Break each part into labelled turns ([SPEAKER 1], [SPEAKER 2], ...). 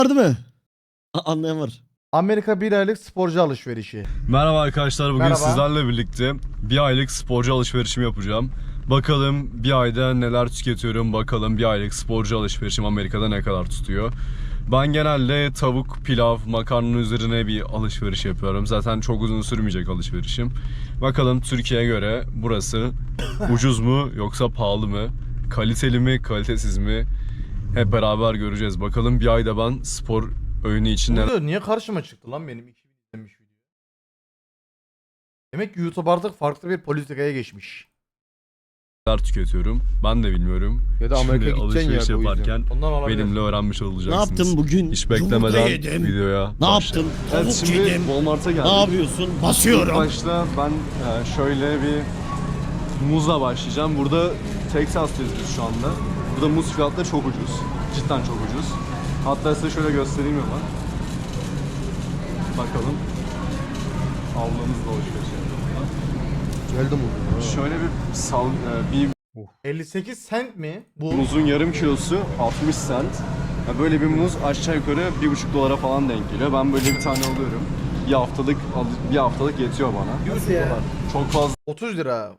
[SPEAKER 1] Değil mi? Anlayan var.
[SPEAKER 2] Amerika bir aylık sporcu alışverişi.
[SPEAKER 3] Merhaba arkadaşlar, bugün
[SPEAKER 2] Merhaba.
[SPEAKER 3] sizlerle birlikte bir aylık sporcu alışverişimi yapacağım. Bakalım bir ayda neler tüketiyorum, bakalım bir aylık sporcu alışverişim Amerika'da ne kadar tutuyor. Ben genelde tavuk, pilav, makarnanın üzerine bir alışveriş yapıyorum. Zaten çok uzun sürmeyecek alışverişim. Bakalım Türkiye'ye göre burası ucuz mu yoksa pahalı mı? Kaliteli mi, kalitesiz mi? Hep beraber göreceğiz. Bakalım bir ayda ben spor öğünü için neler
[SPEAKER 2] Niye karşıma çıktı lan benim 2000 izlenmiş video? Demek ki YouTube artık farklı bir politikaya geçmiş.
[SPEAKER 3] tüketiyorum. Ben de bilmiyorum.
[SPEAKER 4] Ya da Amerika
[SPEAKER 3] Şimdi
[SPEAKER 4] gideceksin
[SPEAKER 3] alışveriş
[SPEAKER 4] ya, o yüzden.
[SPEAKER 3] yaparken
[SPEAKER 2] Ondan olabilir.
[SPEAKER 3] benimle öğrenmiş
[SPEAKER 1] Ne
[SPEAKER 3] olacaksınız.
[SPEAKER 1] yaptın bugün?
[SPEAKER 3] Hiç
[SPEAKER 1] Yumurta
[SPEAKER 3] beklemeden
[SPEAKER 1] yedim.
[SPEAKER 3] videoya
[SPEAKER 1] Ne
[SPEAKER 3] başlayalım.
[SPEAKER 1] yaptın?
[SPEAKER 3] Evet,
[SPEAKER 1] Tavuk
[SPEAKER 3] şimdi
[SPEAKER 1] yedim.
[SPEAKER 3] Walmart'a geldik.
[SPEAKER 1] Ne yapıyorsun?
[SPEAKER 3] İlk
[SPEAKER 1] Basıyorum.
[SPEAKER 3] başta ben şöyle bir muzla başlayacağım. Burada Texas'tayız biz şu anda. Burada muz fiyatları çok ucuz. Cidden çok ucuz. Hatta size şöyle göstereyim hemen. Bakalım. Ablamızla alışveriş yapalım.
[SPEAKER 4] Geldim bugün.
[SPEAKER 3] Şöyle bir
[SPEAKER 2] 58 cent mi? Bu
[SPEAKER 3] muzun yarım kilosu 60 cent. Ya böyle bir muz aşağı yukarı 1,5 dolara falan denk geliyor. Ben böyle bir tane alıyorum. Bir haftalık yetiyor bana.
[SPEAKER 2] 100 ya.
[SPEAKER 3] Çok fazla
[SPEAKER 2] 30 lira.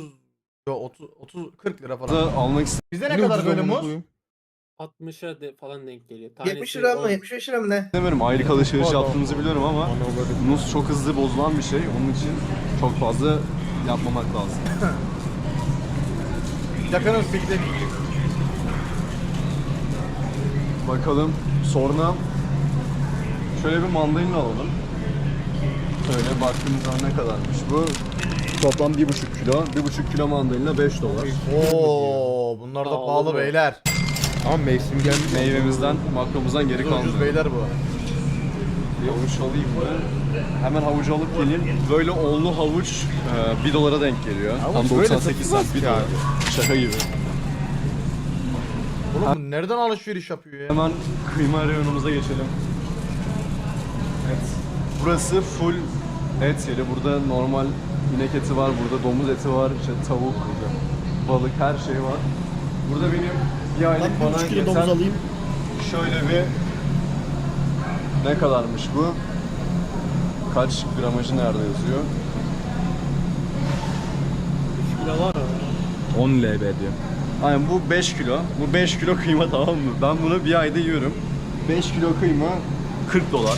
[SPEAKER 2] 30 40 lira falan.
[SPEAKER 3] da almak
[SPEAKER 2] Bizde ne kadar böyle muz?
[SPEAKER 5] 60'a falan denk geliyor.
[SPEAKER 6] 70 lira mı? 75 lira mı ne?
[SPEAKER 3] istemiyorum. Aylık alışveriş yaptığımızı biliyorum ama muz çok hızlı bozulan bir şey. Onun için çok fazla yapmamak lazım.
[SPEAKER 2] Yakınız siktir.
[SPEAKER 3] Bakalım sonra şöyle bir mandalina alalım. Şöyle baktığımızda ne kadarmış bu? Toplam 1,5 kilo. 1,5 kilo mandalina 5 dolar.
[SPEAKER 2] Oo, bunlar da
[SPEAKER 5] Pahalı
[SPEAKER 2] pahalı
[SPEAKER 5] bu.
[SPEAKER 2] beyler.
[SPEAKER 4] Ama mevsim gelmiş.
[SPEAKER 3] Meyvemizden, makromuzdan geri
[SPEAKER 2] Ucuz
[SPEAKER 3] kalmıyor.
[SPEAKER 2] beyler bu.
[SPEAKER 3] Bir havuç alayım mı? Hemen havucu alıp geleyim. Böyle onlu havuç 1 dolara denk geliyor.
[SPEAKER 4] Havuç
[SPEAKER 3] Tam
[SPEAKER 4] böyle
[SPEAKER 3] 98
[SPEAKER 4] satılmaz
[SPEAKER 3] cent 1
[SPEAKER 4] ki
[SPEAKER 3] dolar.
[SPEAKER 4] abi.
[SPEAKER 3] Şaka gibi.
[SPEAKER 2] Oğlum bu nereden alışveriş yapıyor ya?
[SPEAKER 3] Hemen kıyma reyonumuza geçelim. Evet. Burası full et yeri. Burada normal inek eti var, burada domuz eti var, işte tavuk, balık her şey var. Burada benim bir aylık
[SPEAKER 1] Ben
[SPEAKER 3] bana
[SPEAKER 1] 1,5 kilo domuz
[SPEAKER 3] yeten
[SPEAKER 1] alayım.
[SPEAKER 3] şöyle bir ne kadarmış bu? Kaç gramajı nerede yazıyor?
[SPEAKER 5] 3 kilo var ama.
[SPEAKER 3] 10 lb diyor. Aynen bu 5 kilo. Bu 5 kilo kıyma, tamam mı? Ben bunu bir ayda yiyorum. 5 kilo kıyma 40 dolar.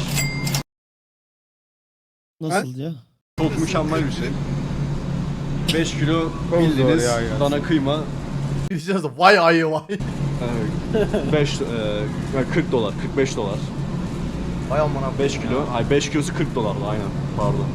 [SPEAKER 1] Nasıl ya?
[SPEAKER 3] Çok mükemmel bir şey. 5 kilo
[SPEAKER 4] Çok
[SPEAKER 3] bildiğiniz
[SPEAKER 4] zor ya.
[SPEAKER 3] dana kıyma
[SPEAKER 2] Diyeceğiz de vay ayı vay.
[SPEAKER 3] 40 dolar, 45 dolar.
[SPEAKER 2] Vay amına.
[SPEAKER 3] 5 kilo, 5 kilosu 40 dolardı aynen, pardon.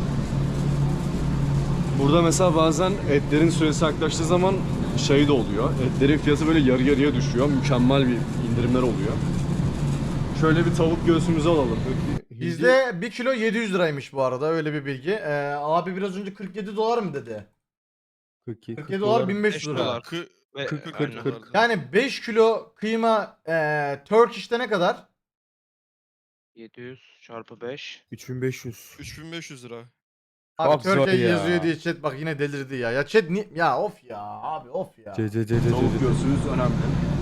[SPEAKER 3] Burada mesela bazen etlerin süresi yaklaştığı zaman şey de oluyor. Etlerin fiyatı böyle yarı yarıya düşüyor. Mükemmel bir indirimler oluyor. Şöyle bir tavuk göğsümüzü alalım.
[SPEAKER 2] Bizde 1 kilo 700 liraymış bu arada, öyle bir bilgi. Abi biraz önce 47 dolar mı dedi?
[SPEAKER 4] 42.
[SPEAKER 2] 47 dolar 1500 lira.
[SPEAKER 7] dolar.
[SPEAKER 4] 40.
[SPEAKER 2] Yani 5 kilo kıyma Turkish'te ne kadar?
[SPEAKER 7] 700 çarpı 5.
[SPEAKER 4] 3500.
[SPEAKER 7] 3500 lira.
[SPEAKER 2] Abi
[SPEAKER 4] Çok zor
[SPEAKER 2] Turkey
[SPEAKER 4] ya.
[SPEAKER 2] yazıyor diye chat bak yine delirdi ya. Ya chat ya of ya abi of ya.
[SPEAKER 3] Tavuk göğsümüz önemli.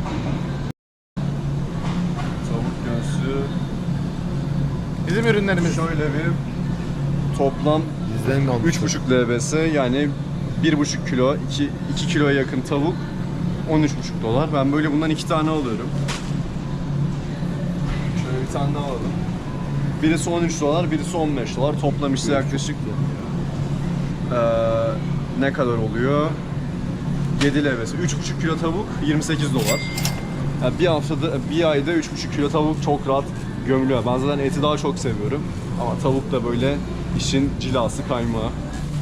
[SPEAKER 3] Tavuk göğsü
[SPEAKER 2] Bizim ürünlerimiz.
[SPEAKER 3] şöyle bir toplam
[SPEAKER 4] Bizden kalmış.
[SPEAKER 3] 3,5 lbs, yani 1,5 kilo, 2 kiloya yakın tavuk, 13,5 dolar. Ben böyle bundan 2 tane alıyorum. Şöyle bir tane daha alalım. Birisi 13 dolar, birisi 15 dolar. Toplam işte yaklaşık ne kadar oluyor? 7 lbs. 3,5 kilo tavuk 28 dolar. Yani bir ayda 3,5 kilo tavuk çok rahat gömülüyor. Ben zaten eti daha çok seviyorum. Ama tavuk da böyle işin cilası, kaymağı.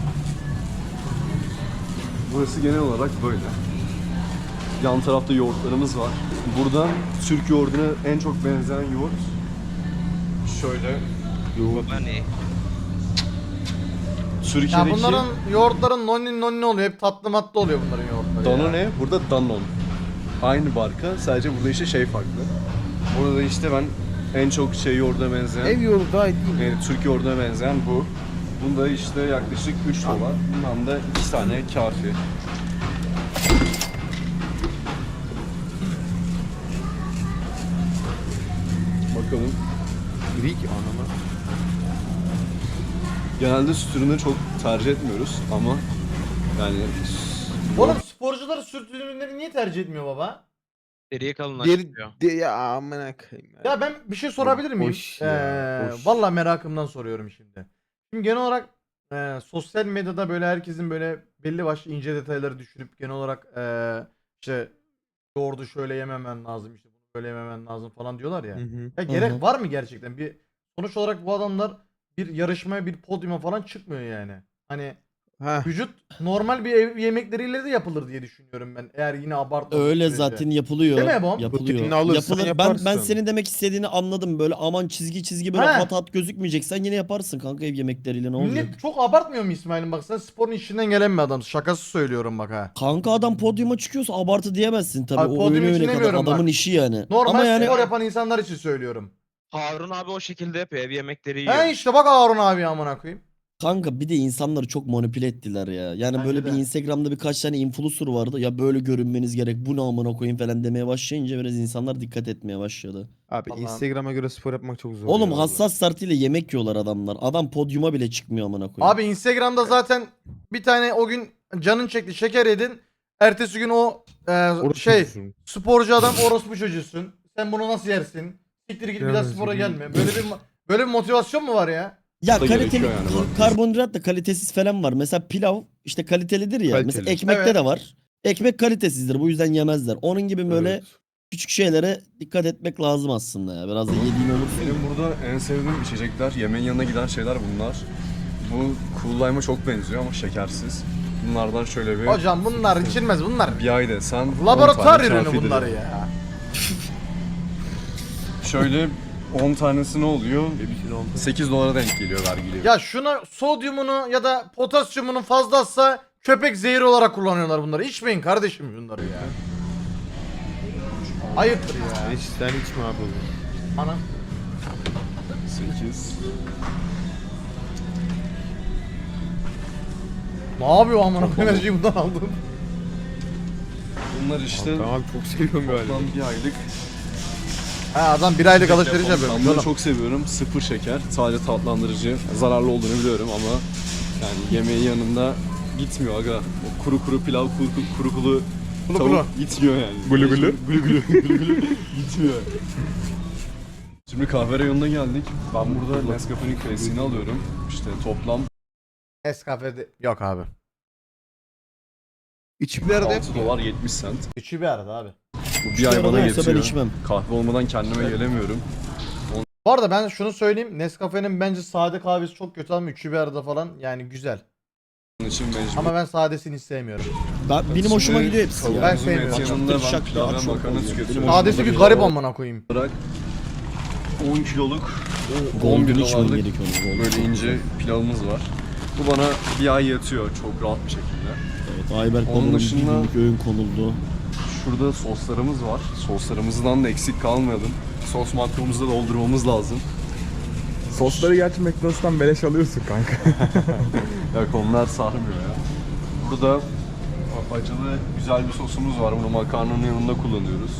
[SPEAKER 3] Burası genel olarak böyle. Yan tarafta yoğurtlarımız var. Burada Türk yoğurduna en çok benzeyen yoğurt. Şöyle.
[SPEAKER 7] Hani
[SPEAKER 3] Türkiye'deki
[SPEAKER 2] Ya bunların yoğurtların nonni oluyor. Hep tatlı matlı oluyor bunların yoğurtları. ya.
[SPEAKER 3] Danone, burada Danone. Aynı marka, sadece burada işte şey farklı. Burada işte ben en çok şey yoğurduna benzeyen,
[SPEAKER 4] Ev yolu daha iyi değil mi?
[SPEAKER 3] yani Türk yoğurduna benzeyen bu. Bunda işte yaklaşık 3 dolar. Bundan da 2 tane kafi. bakalım.
[SPEAKER 4] Greek anama.
[SPEAKER 3] Genelde süt ürünü çok tercih etmiyoruz ama yani
[SPEAKER 2] Oğlum sporcular süt ürünleri niye tercih etmiyor baba?
[SPEAKER 7] Deriye
[SPEAKER 4] Diğeri
[SPEAKER 7] kalınlaştırıyor.
[SPEAKER 4] ya amına koyayım.
[SPEAKER 2] Ya ben bir şey sorabilir miyim?
[SPEAKER 4] Boş ya, boş.
[SPEAKER 2] Valla merakımdan soruyorum şimdi. Şimdi genel olarak sosyal medyada böyle herkesin böyle belli başlı ince detayları düşürüp genel olarak işte yoğurdu şöyle yememen lazım, işte bunu böyle yememen lazım falan diyorlar ya.
[SPEAKER 4] Hı hı.
[SPEAKER 2] Ya gerek var mı gerçekten? Bir sonuç olarak bu adamlar bir yarışmaya, bir podyuma falan çıkmıyor yani. Hani
[SPEAKER 4] Ha.
[SPEAKER 2] vücut normal bir ev yemekleriyle de yapılır diye düşünüyorum ben. Eğer yine abartmamak
[SPEAKER 1] Öyle
[SPEAKER 2] sürece.
[SPEAKER 1] zaten yapılıyor.
[SPEAKER 2] Değil mi Ebom?
[SPEAKER 1] Yapılıyor.
[SPEAKER 4] Proteinini alırsan
[SPEAKER 1] Yapılır. Ben
[SPEAKER 4] yaparsın.
[SPEAKER 1] senin demek istediğini anladım. Böyle aman çizgi böyle
[SPEAKER 2] He.
[SPEAKER 1] hat hat gözükmeyeceksen yine yaparsın kanka ev yemekleriyle ne olacak?
[SPEAKER 2] Millet çok abartmıyor mu İsmail'in, bak sen sporun içinden gelen bir adam. Şakası söylüyorum bak ha.
[SPEAKER 1] Kanka adam podyuma çıkıyorsa abartı diyemezsin tabii.
[SPEAKER 2] Abi
[SPEAKER 1] O
[SPEAKER 2] podyum
[SPEAKER 1] öyle
[SPEAKER 2] için
[SPEAKER 1] kadar
[SPEAKER 2] demiyorum
[SPEAKER 1] adamın
[SPEAKER 2] bak.
[SPEAKER 1] işi yani.
[SPEAKER 2] Normal
[SPEAKER 1] Ama yani
[SPEAKER 2] spor yapan insanlar için söylüyorum.
[SPEAKER 7] Harun abi o şekilde yapıyor. Ev yemekleri yiyor.
[SPEAKER 2] He işte bak Harun abi amına koyayım.
[SPEAKER 1] kanka bir de insanları çok manipüle ettiler ya. Yani
[SPEAKER 2] Bence
[SPEAKER 1] böyle
[SPEAKER 2] de.
[SPEAKER 1] bir Instagram'da birkaç tane influencer vardı. Ya böyle görünmeniz gerek. Bu ne amına koyayım falan demeye başlayınca biraz insanlar dikkat etmeye başladı.
[SPEAKER 4] Abi
[SPEAKER 2] Allah'ım.
[SPEAKER 4] Instagram'a göre spor yapmak çok zor.
[SPEAKER 1] Oğlum
[SPEAKER 4] ya vallahi.
[SPEAKER 1] hassas startıyla yemek yiyorlar adamlar. Adam podyuma bile çıkmıyor amına koyayım.
[SPEAKER 2] Abi Instagram'da zaten bir tane o gün canın çekti şeker yedin. Ertesi gün o
[SPEAKER 4] Orası
[SPEAKER 2] şey
[SPEAKER 4] çocuğusun.
[SPEAKER 2] sporcu adam orospu çocuğusun. Sen bunu nasıl yersin? Siktir git bir daha
[SPEAKER 4] Yemez,
[SPEAKER 2] spora
[SPEAKER 4] yemez.
[SPEAKER 2] gelme. Böyle bir motivasyon mu var ya?
[SPEAKER 1] Ya
[SPEAKER 3] da
[SPEAKER 1] kaliteli
[SPEAKER 3] gerekiyor yani bak.
[SPEAKER 1] karbonhidrat da kalitesiz falan var. Mesela pilav işte kalitelidir ya.
[SPEAKER 4] Kaliteli.
[SPEAKER 1] Mesela ekmekte
[SPEAKER 2] Evet.
[SPEAKER 1] de var. Ekmek kalitesizdir. Bu yüzden yemezler. Onun gibi böyle
[SPEAKER 4] Evet.
[SPEAKER 1] küçük şeylere dikkat etmek lazım aslında ya. Biraz da yediğin olursa.
[SPEAKER 3] benim burada en sevdiğim içecekler, yemeğin yanına giden şeyler bunlar. Bu Cool Lime'a çok benziyor ama şekersiz. Bunlardan şöyle bir
[SPEAKER 2] Hocam bunlar içilmez bunlar.
[SPEAKER 3] bir ay desen 10
[SPEAKER 2] Laboratuvar
[SPEAKER 3] tane
[SPEAKER 2] ürünü
[SPEAKER 3] kafidir.
[SPEAKER 2] bunlar ya.
[SPEAKER 3] Şöyle 10 tanesi ne oluyor?
[SPEAKER 4] Bebisin oldu.
[SPEAKER 3] 8 dolara denk geliyor vergili.
[SPEAKER 2] Ya şuna sodyumunu ya da potasyumunu fazlasa köpek zehri olarak kullanıyorlar bunları. İçmeyin kardeşim bunları ya. Ayıptır ya.
[SPEAKER 4] Sen içme abi oğlum.
[SPEAKER 2] Ana.
[SPEAKER 3] 8.
[SPEAKER 2] Ne yapıyor amına koyayım, enerjiyi bundan aldım.
[SPEAKER 3] Bunlar işte
[SPEAKER 4] Tamam abi çok seviyorum galiba.
[SPEAKER 3] toplam bir aylık.
[SPEAKER 2] Ha adam bir aylık alışveriş yapıyor.
[SPEAKER 3] Ben bunu çok seviyorum. Sıfır şeker. Sadece tatlandırıcı. Zararlı olduğunu biliyorum ama yani yemeğin yanında gitmiyor aga. O kuru kuru pilav, kuru kuru
[SPEAKER 2] Kulu
[SPEAKER 3] tavuk
[SPEAKER 2] kulu.
[SPEAKER 3] gitmiyor yani.
[SPEAKER 4] Gulu gulu.
[SPEAKER 3] Gulu gulu. Gulu gulu. Gitmiyor. Şimdi kahve reyonuna geldik. Ben burada Nescafe'nin klasiğini alıyorum. İşte toplam
[SPEAKER 2] Nescafe'de yok abi.
[SPEAKER 4] İçimlerde
[SPEAKER 3] 6 dolar 70 cent.
[SPEAKER 2] Üçü bir arada abi.
[SPEAKER 3] Bu bir ay
[SPEAKER 1] Arada
[SPEAKER 3] bana
[SPEAKER 1] olsa ben
[SPEAKER 3] yetiyor.
[SPEAKER 1] içmem.
[SPEAKER 3] Kahve olmadan kendime gelemiyorum.
[SPEAKER 2] Bu arada ben şunu söyleyeyim. Nescafe'nin bence sade kahvesi çok kötü ama üçü bir arada falan yani güzel.
[SPEAKER 3] Onun için mecbur.
[SPEAKER 2] Ama ben sadesini sevmiyorum.
[SPEAKER 1] Benim hoşuma
[SPEAKER 3] Şimdi
[SPEAKER 1] gidiyor hepsi ya.
[SPEAKER 2] Ben
[SPEAKER 3] tavuğumuzun
[SPEAKER 2] sevmiyorum.
[SPEAKER 3] eti yanında ben
[SPEAKER 1] Şak
[SPEAKER 3] pilav
[SPEAKER 1] şak
[SPEAKER 3] ve makarna
[SPEAKER 1] oluyor.
[SPEAKER 3] tüketiyorum.
[SPEAKER 1] Benim hoşuma
[SPEAKER 2] Sadesi bir
[SPEAKER 1] gidiyor.
[SPEAKER 2] garip amına koyayım.
[SPEAKER 3] olarak 10 kiloluk
[SPEAKER 1] Golden
[SPEAKER 3] 11
[SPEAKER 1] içmen
[SPEAKER 3] dolarlık
[SPEAKER 1] gerekiyor. Golden
[SPEAKER 3] böyle
[SPEAKER 1] çok
[SPEAKER 3] ince
[SPEAKER 1] güzel.
[SPEAKER 3] pilavımız var. Bu bana bir ay yatıyor çok rahat bir şekilde.
[SPEAKER 1] Evet, Ayberk
[SPEAKER 3] Onun
[SPEAKER 1] Baba'nın bir
[SPEAKER 3] dışında-
[SPEAKER 1] günlük öğün konuldu.
[SPEAKER 3] Şurada soslarımız var. Soslarımızdan da eksik kalmayalım. Sos makromumuzu da doldurmamız lazım.
[SPEAKER 8] Sosları gerçi McDonald's'tan beleş alıyorsun kanka.
[SPEAKER 3] Yok onlar sarmıyor ya. Burada acılı güzel bir sosumuz var. Bunu makarnanın yanında kullanıyoruz.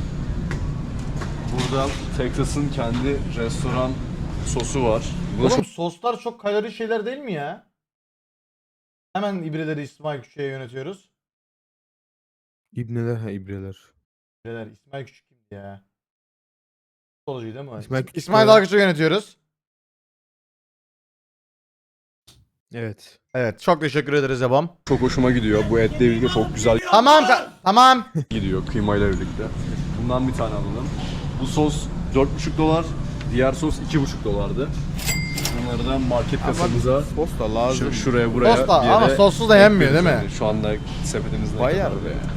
[SPEAKER 3] Burada Texas'ın kendi restoran sosu var. Bu da
[SPEAKER 2] Oğlum soslar çok kalori şeyler değil mi ya? Hemen ibreleri İsmail Küçük'e yönetiyoruz.
[SPEAKER 4] İbneler ha ibreler.
[SPEAKER 2] İbreler İsmail Küçük kimdi ya? Futbolcuydu değil mi?
[SPEAKER 4] İsmail Küçük
[SPEAKER 2] İsmail
[SPEAKER 4] ya.
[SPEAKER 2] Dalgıç'ı yönetiyoruz.
[SPEAKER 4] Evet.
[SPEAKER 2] Evet çok teşekkür ederiz Ebam.
[SPEAKER 3] çok hoşuma gidiyor. Bu etle birlikte çok güzel
[SPEAKER 2] Tamam tamam.
[SPEAKER 3] gidiyor kıymayla birlikte. Bundan bir tane alalım. Bu sos 4,5 dolar. Diğer sos 2,5 dolardı. Bunları da market kasamıza
[SPEAKER 4] Sos da lazım.
[SPEAKER 3] şuraya buraya
[SPEAKER 2] Sos da
[SPEAKER 3] bir yere
[SPEAKER 2] ama sossuz da yenmiyor değil mi?
[SPEAKER 3] ekliyoruz yani. Şu anda sepetimizde ne
[SPEAKER 4] Bayar
[SPEAKER 3] kadar
[SPEAKER 4] be.
[SPEAKER 3] var?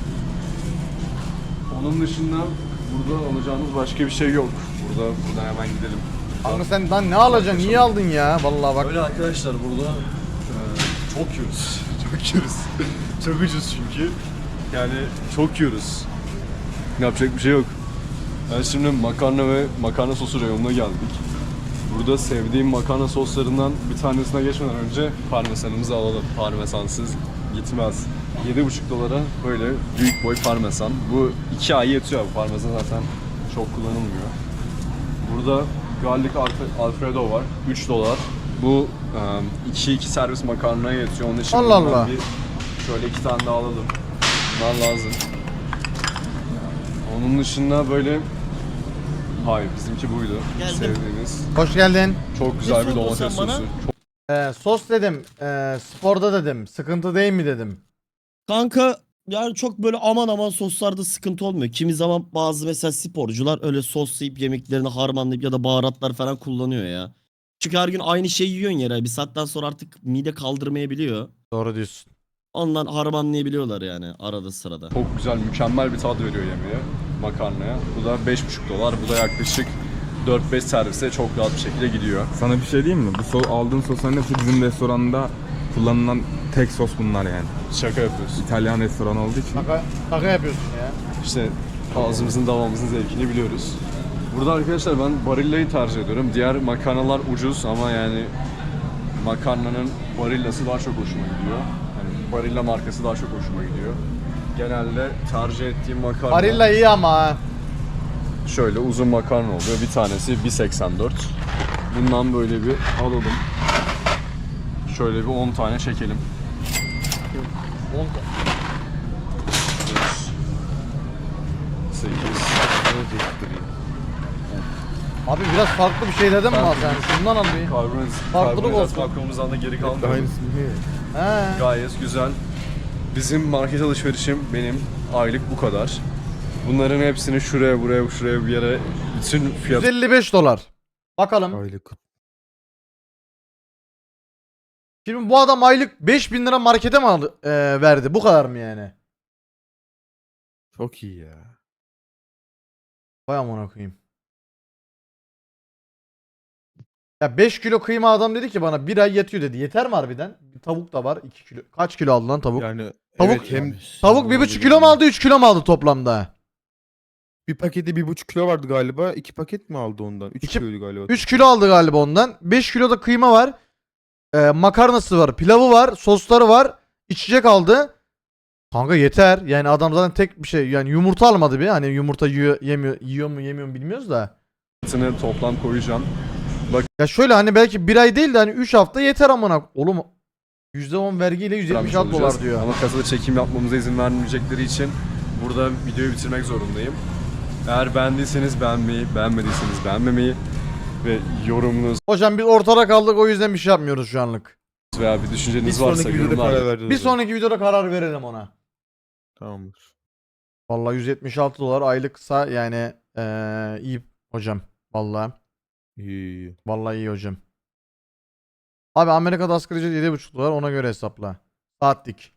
[SPEAKER 3] Onun dışında burada alacağımız başka bir şey yok. Buradan hemen gidelim.
[SPEAKER 2] Kanka sen lan ne alacaksın? Niye aldın ya? Vallahi bak.
[SPEAKER 3] Öyle arkadaşlar burada çok yiyoruz. Çok yiyoruz. Çok ucuz çünkü. Yani çok yiyoruz. Yapacak bir şey yok. Ben şimdi makarna ve makarna sosu reyonuna geldik. Burada sevdiğim makarna soslarından bir tanesine geçmeden önce parmesanımızı alalım. Parmesansız gitmez. 7,5 dolara böyle büyük boy parmesan. Bu 2 ay yetiyor bu parmesan zaten çok kullanılmıyor. Burada garlic alfredo var. 3 dolar. Bu 2 servis makarnaya yetiyor. Onun için
[SPEAKER 2] Allah
[SPEAKER 3] bundan
[SPEAKER 2] Allah.
[SPEAKER 3] şöyle 2 tane daha alalım. Bunlar lazım. Onun dışında böyle... Hayır, bizimki buydu.
[SPEAKER 1] Geldim.
[SPEAKER 3] Sevdiğimiz.
[SPEAKER 2] Hoş geldin.
[SPEAKER 3] Çok güzel bir
[SPEAKER 1] sordun
[SPEAKER 3] domates
[SPEAKER 1] sen bana?
[SPEAKER 3] sosu.
[SPEAKER 2] Sos dedim. Sporda dedim. Sıkıntı değil mi dedim.
[SPEAKER 1] Kanka yani çok böyle aman aman soslarda sıkıntı olmuyor. Kimi zaman bazı mesela sporcular öyle soslayıp yemeklerini harmanlayıp ya da baharatlar falan kullanıyor ya. Çünkü her gün aynı şeyi yiyorsun yere. Bir saatten sonra artık mide kaldırmayabiliyor.
[SPEAKER 2] Doğru diyorsun.
[SPEAKER 1] Ondan harmanlayabiliyorlar yani arada sırada.
[SPEAKER 3] Çok güzel, mükemmel bir tat veriyor yemeğe, makarnaya. Bu da 5,5 dolar. Bu da yaklaşık 4-5 servise çok rahat bir şekilde gidiyor.
[SPEAKER 8] Sana bir şey diyeyim mi? Bu aldığın sosların hepsi bizim restoranda kullanılan tek sos bunlar yani.
[SPEAKER 3] Şaka yapıyorsun.
[SPEAKER 8] İtalyan restoranı olduğu için.
[SPEAKER 2] Şaka yapıyorsun ya.
[SPEAKER 3] İşte ağzımızın damağımızın zevkini biliyoruz. Burada arkadaşlar ben Barilla'yı tercih ediyorum. Diğer makarnalar ucuz ama yani makarnanın Barilla'sı daha çok hoşuma gidiyor. Yani Barilla markası daha çok hoşuma gidiyor. Genelde tercih ettiğim makarna
[SPEAKER 2] Barilla iyi ama ha.
[SPEAKER 3] şöyle uzun makarna oluyor. Bir tanesi 1.84. Bundan böyle bir alalım. Şöyle bir 10 tane çekelim. 8.
[SPEAKER 2] Abi biraz farklı bir şey dedim mi az yani? Şundan al bir. Farklılık olsun.
[SPEAKER 3] Makromuzdan da geri kalmadı.
[SPEAKER 8] Aynısı mı?
[SPEAKER 2] He.
[SPEAKER 3] Gayet güzel. Bizim market alışverişim benim aylık bu kadar. Bunların hepsini şuraya bir yere bütün fiyat
[SPEAKER 2] 155 dolar. Bakalım.
[SPEAKER 4] Aylık.
[SPEAKER 2] Şimdi bu adam aylık 5000 lira markete mi verdi? Bu kadar mı yani?
[SPEAKER 4] Çok iyi ya.
[SPEAKER 2] Vay amına koyayım. Ya 5 kilo kıyma adam dedi ki bana bir ay yetiyor dedi. Yeter mi harbiden? Bir tavuk da var 2 kilo. Kaç kilo aldı lan tavuk?
[SPEAKER 4] Yani
[SPEAKER 2] Tavuk-
[SPEAKER 4] evet, hem
[SPEAKER 2] Tavuk 1,5 kilo mu aldı 3 kilo mu aldı toplamda?
[SPEAKER 4] bir paketi 1,5 kilo vardı galiba. 2 paket mi aldı ondan? 3
[SPEAKER 2] İki-
[SPEAKER 4] kiloydu galiba.
[SPEAKER 2] 3 kilo aldı galiba ondan. 5 kilo da kıyma var. Makarnası var. Pilavı var. Sosları var. İçecek aldı. Kanka yeter. Yani adam zaten tek bir şey. Yani yumurta almadı bir. Hani yumurta yiyor mu yemiyor mu bilmiyoruz da.
[SPEAKER 3] fiyatını toplam koyacağım.
[SPEAKER 2] Ya şöyle hani belki bir ay değil de hani 3 hafta yeter amına. Oğlum %10 vergiyle 176 dolar
[SPEAKER 3] Olacağız.
[SPEAKER 2] diyor.
[SPEAKER 3] Ama kasada çekim yapmamıza izin vermeyecekleri için burada videoyu bitirmek zorundayım. Eğer beğendiyseniz beğenmeyi, beğenmediyseniz beğenmemeyi ve yorumunuz
[SPEAKER 2] Hocam biz ortada kaldık o yüzden bir şey yapmıyoruz şu anlık.
[SPEAKER 3] veya bir
[SPEAKER 4] Bir
[SPEAKER 3] düşünceniz varsa
[SPEAKER 4] sonraki videoda
[SPEAKER 3] yorumlarda
[SPEAKER 4] karar vereceğiz.
[SPEAKER 2] Bir sonraki videoda karar verelim ona.
[SPEAKER 4] Tamamdır.
[SPEAKER 2] Vallahi 176 dolar aylıksa yani iyi hocam. Vallahi.
[SPEAKER 4] İyi.
[SPEAKER 2] Vallahi iyi hocam. Abi Amerika'da asgari ücret 7,5 dolar ona göre hesapla. Saatlik.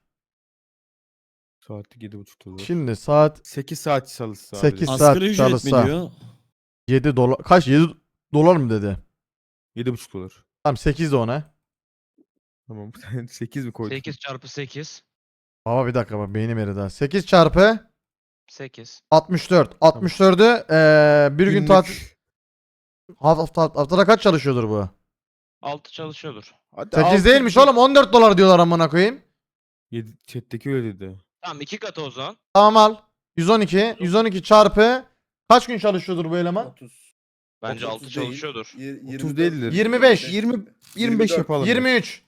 [SPEAKER 4] Saatlik 7,5 dolar.
[SPEAKER 2] Şimdi saat
[SPEAKER 4] 8 saat çalışsa.
[SPEAKER 2] 8 saat
[SPEAKER 1] Asgari ücret mi
[SPEAKER 2] çalışsa
[SPEAKER 1] diyor?
[SPEAKER 2] 7 dolar. Kaç? 7 dolar mı dedi?
[SPEAKER 4] 7,5 dolar.
[SPEAKER 2] Tamam 8 de ona.
[SPEAKER 4] Tamam. 8 mi koydun?
[SPEAKER 7] 8 çarpı 8.
[SPEAKER 2] Baba bir dakika bak beynim eridi ha. 8 çarpı
[SPEAKER 7] 8.
[SPEAKER 2] 64. 64'ü bir gün
[SPEAKER 4] Günlük
[SPEAKER 2] tatil. Haftada kaç çalışıyordur bu?
[SPEAKER 7] 6 çalışıyordur.
[SPEAKER 4] Hadi
[SPEAKER 2] 8
[SPEAKER 4] altı-
[SPEAKER 2] değilmiş oğlum 14 dolar diyorlar amına koyayım.
[SPEAKER 4] Chat'teki öyle dedi.
[SPEAKER 7] Tamam 2 katı o zaman.
[SPEAKER 2] Tamam al. 112. 112 çarpı kaç gün çalışıyordur bu eleman?
[SPEAKER 9] 30.
[SPEAKER 7] Bence 6
[SPEAKER 9] 30 değil.
[SPEAKER 7] çalışıyordur.
[SPEAKER 4] 30 değildir.
[SPEAKER 2] 25.
[SPEAKER 4] 25 yapalım.
[SPEAKER 2] 23.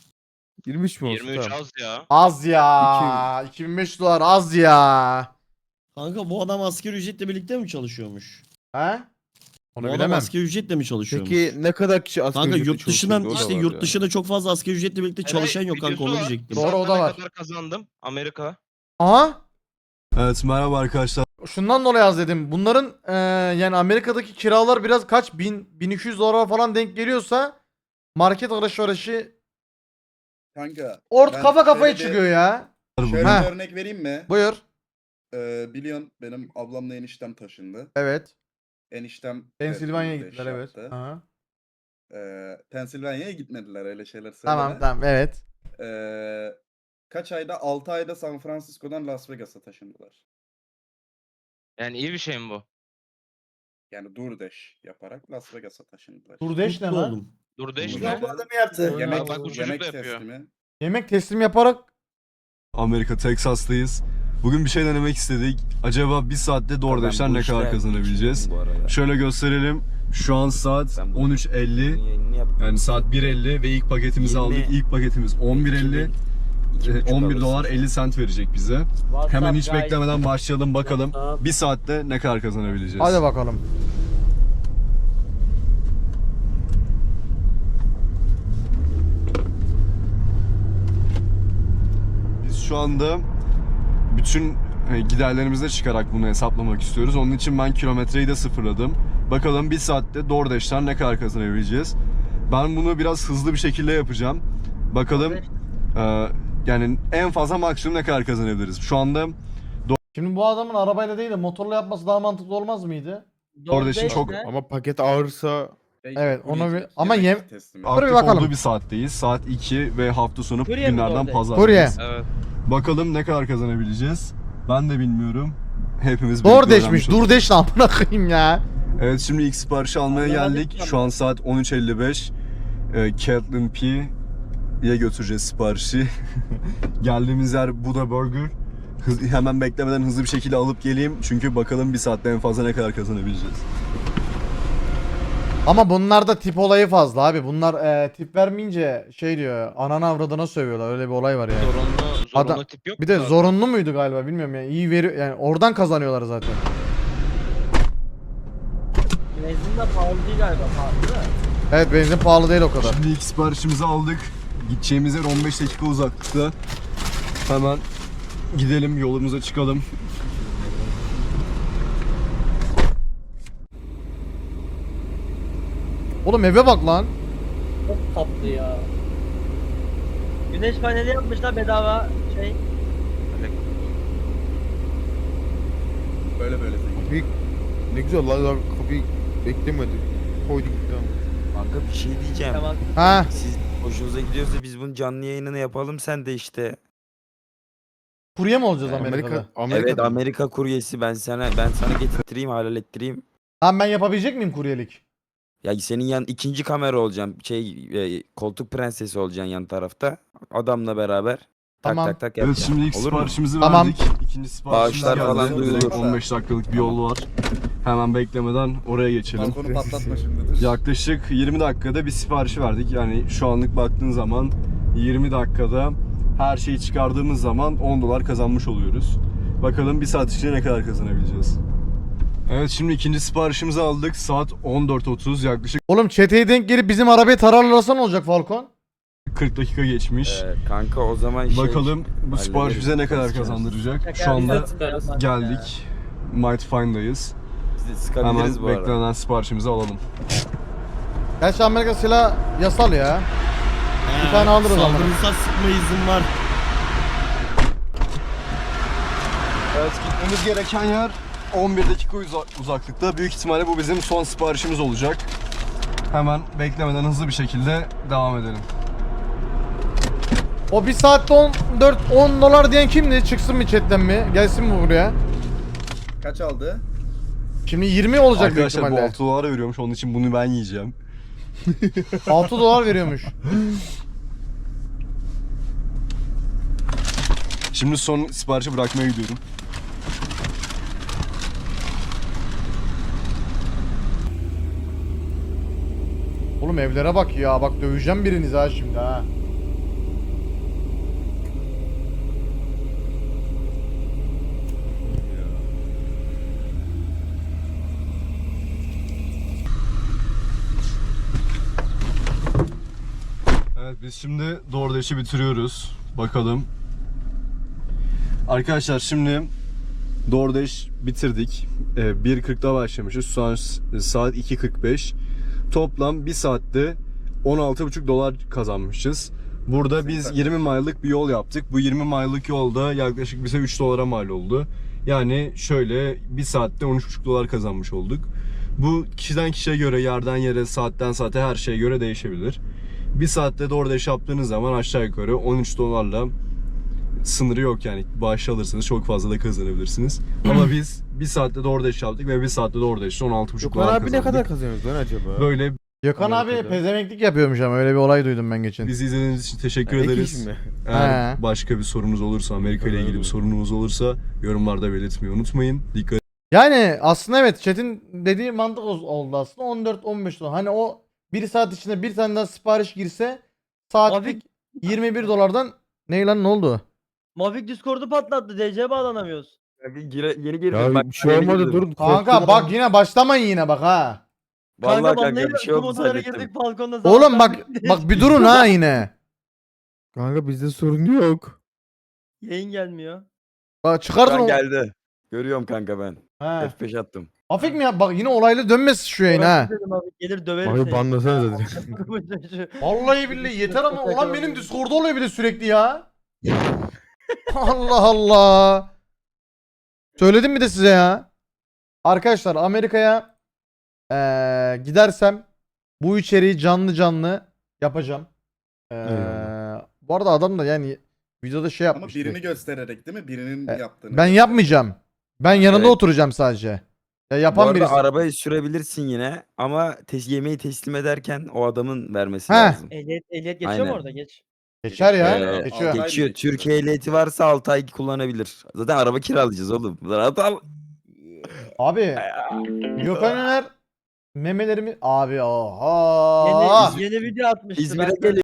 [SPEAKER 4] 23 mi olsun?
[SPEAKER 7] 23
[SPEAKER 4] Tamam.
[SPEAKER 7] az ya.
[SPEAKER 2] Az ya. 2500 dolar az ya.
[SPEAKER 1] Kanka bu adam asgari ücretle birlikte mi çalışıyormuş?
[SPEAKER 2] He?
[SPEAKER 1] Bu
[SPEAKER 2] Onu
[SPEAKER 1] adam
[SPEAKER 2] bilemem.
[SPEAKER 1] asgari ücretle mi çalışıyormuş?
[SPEAKER 4] Peki ne kadar kişi asgari
[SPEAKER 1] Kanka
[SPEAKER 4] ücretle
[SPEAKER 1] yurt dışından
[SPEAKER 4] çalışıyordu? O da
[SPEAKER 1] işte
[SPEAKER 4] var
[SPEAKER 1] yurt
[SPEAKER 4] ya.
[SPEAKER 1] dışında çok fazla asgari ücretle birlikte çalışan yok kanka onu
[SPEAKER 7] videosu var.
[SPEAKER 1] diyecektim.
[SPEAKER 7] Bir
[SPEAKER 2] Doğru, o
[SPEAKER 7] saatte
[SPEAKER 2] da
[SPEAKER 7] ne
[SPEAKER 2] var.
[SPEAKER 7] kadar kazandım Amerika.
[SPEAKER 2] Aha.
[SPEAKER 3] Evet, merhaba arkadaşlar.
[SPEAKER 2] Şundan dolayı az dedim. Bunların yani Amerika'daki kiralar biraz kaç? 1200 dolara falan denk geliyorsa market alışverişi
[SPEAKER 9] Kanka. ben
[SPEAKER 2] kafa kafaya
[SPEAKER 9] şöyle bir-
[SPEAKER 2] çıkıyor ya.
[SPEAKER 9] Şöyle
[SPEAKER 2] Ha.
[SPEAKER 9] bir örnek vereyim mi?
[SPEAKER 2] Buyur.
[SPEAKER 9] Biliyorsun benim ablamla eniştem taşındı.
[SPEAKER 2] Evet.
[SPEAKER 9] Eniştem
[SPEAKER 2] Pensilvanya'ya
[SPEAKER 9] de
[SPEAKER 2] gittiler
[SPEAKER 9] şey
[SPEAKER 2] evet.
[SPEAKER 9] yaptı.
[SPEAKER 2] Aha.
[SPEAKER 9] Pensilvanya'ya gitmediler öyle şeyler söyleme.
[SPEAKER 2] Tamam tamam evet.
[SPEAKER 9] Kaç ayda? 6 ayda San Francisco'dan Las Vegas'a taşındılar.
[SPEAKER 7] Yani iyi bir şey mi bu?
[SPEAKER 9] Yani DoorDash yaparak Las Vegas'a taşındılar.
[SPEAKER 2] Durdeş ne
[SPEAKER 1] Mutlu
[SPEAKER 2] lan?
[SPEAKER 1] oldum.
[SPEAKER 7] Dur değiş
[SPEAKER 9] Dur
[SPEAKER 7] mi?
[SPEAKER 9] değiş.
[SPEAKER 6] Bu adam yaptı.
[SPEAKER 9] Yemek,
[SPEAKER 7] Bak bu çocuk
[SPEAKER 9] yemek
[SPEAKER 7] da yapıyor.
[SPEAKER 9] teslimi.
[SPEAKER 2] Yemek teslim yaparak
[SPEAKER 3] Amerika, Texas'tayız. Bugün bir şey denemek istedik. Acaba bir saatte DoorDash'ten ne kadar kazanabileceğiz? Şöyle gösterelim. Şu an saat 13.50. Yani saat 1.50 ve ilk paketimizi aldık. İlk paketimiz 11.50. 11 dolar 50 sent verecek bize. Hemen hiç beklemeden başlayalım bakalım. Bir saatte ne kadar kazanabileceğiz?
[SPEAKER 2] Hadi bakalım.
[SPEAKER 3] Biz şu anda bütün giderlerimizi çıkarak bunu hesaplamak istiyoruz. Onun için ben kilometreyi de sıfırladım. Bakalım bir saatte DoorDash'ten ne kadar kazanabileceğiz. Ben bunu biraz hızlı bir şekilde yapacağım. Bakalım yani en fazla maksimum ne kadar kazanabiliriz. Şu anda
[SPEAKER 2] Şimdi bu adamın arabayla değil de motorla yapması daha mantıklı olmaz mıydı?
[SPEAKER 3] DoorDash'in çok
[SPEAKER 4] Ama paket ağırsa
[SPEAKER 2] Evet, onu
[SPEAKER 9] Kurye
[SPEAKER 2] bir- ama
[SPEAKER 9] yemek teslimi.
[SPEAKER 3] aktif
[SPEAKER 2] bakalım.
[SPEAKER 3] olduğu bir saatteyiz. Saat 2 ve hafta sonu
[SPEAKER 10] Kurye mi
[SPEAKER 3] günlerden
[SPEAKER 10] DoorDash?
[SPEAKER 3] pazar.
[SPEAKER 2] Kurye.
[SPEAKER 7] Evet.
[SPEAKER 3] Bakalım ne kadar kazanabileceğiz. Ben de bilmiyorum. Hepimiz birlikte
[SPEAKER 2] DoorDash'miş.
[SPEAKER 3] öğrenmiş olacağız.
[SPEAKER 2] DoorDash'la amına koyayım ya.
[SPEAKER 3] Evet, şimdi ilk siparişi almaya geldik. Şu an saat 13.55. Catlin P'ye götüreceğiz siparişi. Geldiğimiz yer Buddha Burger. Hemen beklemeden hızlı bir şekilde alıp geleyim. Çünkü bakalım bir saatte en fazla ne kadar kazanabileceğiz.
[SPEAKER 2] Ama bunlarda tip olayı fazla abi. Bunlar tip vermeyince şey diyor. Ananı avradına sövüyorlar. Öyle bir olay var yani.
[SPEAKER 7] Zorunlu
[SPEAKER 2] Adam-
[SPEAKER 7] tip yok
[SPEAKER 2] Bir de
[SPEAKER 7] mu?
[SPEAKER 2] zorunlu muydu galiba bilmiyorum yani. İyi veriyor yani oradan kazanıyorlar zaten.
[SPEAKER 10] Benzin de pahalı değil galiba, pahalı değil mi?
[SPEAKER 2] Evet, benzin pahalı değil o kadar.
[SPEAKER 3] Şimdi ilk siparişimizi aldık. Gideceğimiz yer 15 dakika uzaklıkta. Hemen gidelim, yolumuza çıkalım.
[SPEAKER 2] Oğlum eve bak lan.
[SPEAKER 10] Çok tatlı ya. Güneş paneli yapmışlar bedava şey.
[SPEAKER 9] Böyle zengin.
[SPEAKER 4] ne güzel lan, daha kapıyı beklemedik. Koyduk gitti ama.
[SPEAKER 11] Kanka bir şey diyeceğim.
[SPEAKER 10] Tamam.
[SPEAKER 2] Ha.
[SPEAKER 11] Siz hoşunuza gidiyorsa biz bunun canlı yayınını yapalım, sen de işte.
[SPEAKER 2] Kurye mi olacağız Amerika'da?
[SPEAKER 11] Evet, Amerika kuryesi, ben sana getirttireyim, hallettireyim.
[SPEAKER 2] Tamam, ben yapabilecek miyim kuryelik?
[SPEAKER 11] Ya senin yan ikinci kamera olacağım. Koltuk prensesi olacaksın yan tarafta. Adamla beraber.
[SPEAKER 2] Tamam.
[SPEAKER 11] Tak tak tak
[SPEAKER 3] Evet,
[SPEAKER 11] yapacaksın.
[SPEAKER 3] şimdi ilk
[SPEAKER 11] Olur mu?
[SPEAKER 3] siparişimizi
[SPEAKER 2] Tamam.
[SPEAKER 3] verdik. İkinci siparişimiz
[SPEAKER 11] Bağışlar
[SPEAKER 3] geldi.
[SPEAKER 11] falan
[SPEAKER 3] Direkt
[SPEAKER 11] duyulur.
[SPEAKER 3] 15 dakikalık bir yol var. Hemen beklemeden oraya geçelim.
[SPEAKER 9] Balkonu patlatma şimdi.
[SPEAKER 3] Yaklaşık 20 dakikada bir siparişi verdik. Yani şu anlık baktığın zaman 20 dakikada her şeyi çıkardığımız zaman 10 dolar kazanmış oluyoruz. Bakalım bir saat içinde ne kadar kazanabileceğiz. Evet, şimdi ikinci siparişimizi aldık. Saat 14.30, yaklaşık
[SPEAKER 2] Oğlum çeteye denk gelip bizim arabayı tararlarsa ne olacak Falcon?
[SPEAKER 3] 40 dakika geçmiş.
[SPEAKER 11] Kanka o zaman
[SPEAKER 3] Bakalım bu sipariş
[SPEAKER 11] hallederiz.
[SPEAKER 3] bize ne kadar
[SPEAKER 11] Sıkarız.
[SPEAKER 3] kazandıracak. Şu
[SPEAKER 10] Şaka
[SPEAKER 3] anda
[SPEAKER 10] yapacağız.
[SPEAKER 3] geldik. Might Find'dayız.
[SPEAKER 11] Biz de sıkabiliriz
[SPEAKER 3] Hemen
[SPEAKER 11] bu arada.
[SPEAKER 3] beklenen siparişimizi alalım.
[SPEAKER 2] Gerçi Amerika silah yasal ya. Bir tane alırız ama.
[SPEAKER 1] Saldırırsa sıkma izin var.
[SPEAKER 3] Evet, gitmemiz gereken yer 11 dakika uzaklıkta. Büyük ihtimalle bu bizim son siparişimiz olacak. Hemen beklemeden hızlı bir şekilde devam edelim.
[SPEAKER 2] O bir saatte 10 dolar diyen kimdi? Çıksın mı chatten mi? Gelsin mi buraya?
[SPEAKER 9] Kaç aldı?
[SPEAKER 2] Şimdi 20 olacak büyük
[SPEAKER 3] Arkadaşlar bu
[SPEAKER 2] ihtimalle.
[SPEAKER 3] 6 dolara veriyormuş, onun için bunu ben yiyeceğim.
[SPEAKER 2] 6 dolar veriyormuş.
[SPEAKER 3] Şimdi son siparişi bırakmaya gidiyorum.
[SPEAKER 2] Oğlum evlere bak ya. Bak döveceğim biriniz ha şimdi ha.
[SPEAKER 3] Evet, biz şimdi DoorDash'i bitiriyoruz. Bakalım. Arkadaşlar şimdi DoorDash bitirdik. 1.40'da başlamışız. Şu an saat 2.45. Toplam bir saatte 16,5 dolar kazanmışız. Burada biz 20 mile'lık bir yol yaptık. Bu 20 mile'lık yolda yaklaşık bize 3 dolara mal oldu. Yani şöyle bir saatte 13,5 dolar kazanmış olduk. Bu kişiden kişiye göre, yerden yere, saatten saate her şeye göre değişebilir. Bir saatte DoorDash yaptığınız zaman aşağı yukarı 13 dolarla sınırı yok yani. Bağış alırsanız çok fazla da kazanabilirsiniz. Ama biz bir saatte DoorDash yaptık ve bir saatte DoorDash'te 16,5
[SPEAKER 4] Yok
[SPEAKER 3] dolar
[SPEAKER 4] abi
[SPEAKER 3] kazandık.
[SPEAKER 4] ne kadar kazanıyoruz lan acaba?
[SPEAKER 3] Böyle
[SPEAKER 2] Gökhan abi
[SPEAKER 3] Amerika'da.
[SPEAKER 2] pezemeklik yapıyormuş ama öyle bir olay duydum ben geçen.
[SPEAKER 3] Bizi izlediğiniz için teşekkür
[SPEAKER 4] Ek
[SPEAKER 3] ederiz.
[SPEAKER 4] iş mi?
[SPEAKER 3] Eğer
[SPEAKER 2] He.
[SPEAKER 3] başka bir sorunuz olursa, Amerika ile ilgili bir sorunuz olursa yorumlarda belirtmeyi unutmayın. Dikkat
[SPEAKER 2] Yani aslında evet chat'in dediği mantık oldu aslında 14-15 dolar. Hani o 1 saat içinde bir tane daha sipariş girse saatlik 21 dolardan ne lan ne oldu?
[SPEAKER 10] Mavik Discord'u patlattı. DC'ye bağlanamıyoruz.
[SPEAKER 11] Yeni girdim
[SPEAKER 4] Ya
[SPEAKER 11] bak.
[SPEAKER 4] bir şey
[SPEAKER 11] yeni
[SPEAKER 4] olmadı
[SPEAKER 11] girdim.
[SPEAKER 4] dur.
[SPEAKER 2] Kanka
[SPEAKER 4] korktum
[SPEAKER 2] bak
[SPEAKER 4] lan.
[SPEAKER 2] yine başlamayın yine bak ha.
[SPEAKER 11] Vallahi
[SPEAKER 10] Kanka
[SPEAKER 11] kanka
[SPEAKER 10] vallahi
[SPEAKER 11] bir şey oldu
[SPEAKER 10] tüm odalara
[SPEAKER 11] zannettim.
[SPEAKER 10] girdik balkonda.
[SPEAKER 2] Oğlum
[SPEAKER 10] sabahtan
[SPEAKER 2] bak bir durun ha yine.
[SPEAKER 4] Kanka bizde sorun yok.
[SPEAKER 10] Yayın gelmiyor.
[SPEAKER 2] Bak çıkartın
[SPEAKER 11] Ben
[SPEAKER 2] o.
[SPEAKER 11] geldi. Görüyorum kanka ben.
[SPEAKER 2] He.
[SPEAKER 11] F5 attım.
[SPEAKER 2] Hafif mi ya? Bak yine olaylı dönmesin şu yayın ha.
[SPEAKER 10] Dedim abi, gelir döverim
[SPEAKER 4] Abi
[SPEAKER 10] seni.
[SPEAKER 4] banlasana zaten.
[SPEAKER 2] Vallahi billahi yeter ama olan benim Discord'da oluyor bir de sürekli ya. Allah Allah. Söyledim mi de size ya? Arkadaşlar Amerika'ya gidersem bu içeriği canlı canlı yapacağım.
[SPEAKER 4] Eyvallah.
[SPEAKER 2] Bu arada adam da yani videoda şey
[SPEAKER 9] Ama
[SPEAKER 2] yapmış.
[SPEAKER 9] birini göstererek değil mi? Birinin yaptığını.
[SPEAKER 2] Ben yapmayacağım. Ben yanında
[SPEAKER 11] Evet.
[SPEAKER 2] oturacağım sadece. Ya
[SPEAKER 11] Bu
[SPEAKER 2] yapan
[SPEAKER 11] arada
[SPEAKER 2] birisi.
[SPEAKER 11] arabayı sürebilirsin yine ama yemeği teslim ederken o adamın vermesi
[SPEAKER 2] Heh.
[SPEAKER 11] lazım.
[SPEAKER 10] Ehliyet geçiyor
[SPEAKER 11] Aynen.
[SPEAKER 10] mu orada? Geç.
[SPEAKER 2] Geçer ya.
[SPEAKER 11] Ee,
[SPEAKER 2] Geçiyor.
[SPEAKER 9] Altı ay
[SPEAKER 11] Geçiyor.
[SPEAKER 9] mı
[SPEAKER 11] Türkiye ehliyeti varsa 6 ay kullanabilir. Zaten araba kiralayacağız oğlum. Rahat al.
[SPEAKER 2] Abi Gökhan Öner memelerimi abi oha.
[SPEAKER 10] Yeni video atmıştı.
[SPEAKER 11] İzmir'e
[SPEAKER 10] ben de-
[SPEAKER 11] geliyor.